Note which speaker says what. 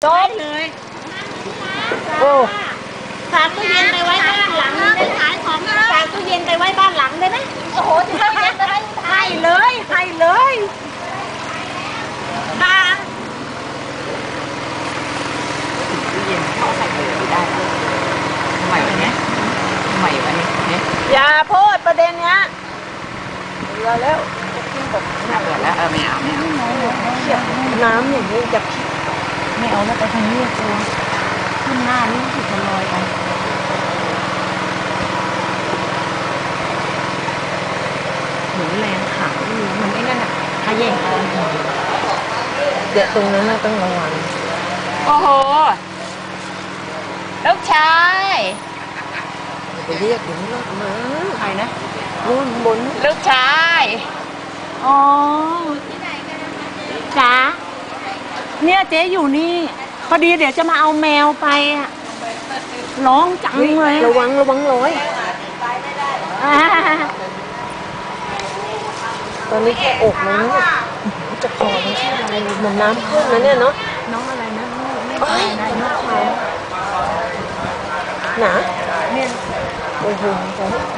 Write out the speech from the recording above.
Speaker 1: จบเลยโอ้ฝากตู้เย็นไปไว้บ้านหลังได้ขายของฝากตู้เย็นไปไว้บ้านหลังได้ไหมโอ้โหให้เลยให้เลยตา
Speaker 2: ตู้เย็นเขาใส่เลยได้ทำไมวะเนี้ยทำไมวะเนี่ย
Speaker 1: อย่าพูดประเด็นเนี้ยเบื่อแล้ว
Speaker 2: น่าเบื่อแล้วไม่เอา
Speaker 1: น้ำอย่างนี้จะ
Speaker 2: ไม่เอาแล้วไปทางนี้กลัวขึ้นหน้านี่ถูกลอยไปหนูแรงขามันไม่นั่นอ่ะถ้าแย่งกัน
Speaker 1: เดี๋ยวตรงนั้นต้องระวัง
Speaker 2: โอ้โหลูกชาย
Speaker 1: ไปเรียกอย่างนี้มา
Speaker 2: ใครนะ
Speaker 1: นู่นบน
Speaker 2: ลูกชาย
Speaker 1: อ๋อจ๋าเนี่ยเจ๊อยู่นี่พอดีเดี๋ยวจะมาเอาแมวไปอะร้องจังเลยระวังร้อยตอนนี้อกมันจะคอมันชื่ออะไรเหมือนน้ำขึ้นนะเนี่ยเนาะ
Speaker 2: น้องอะไรนะ
Speaker 1: น้องชายหนาเนี่ยโอ้โห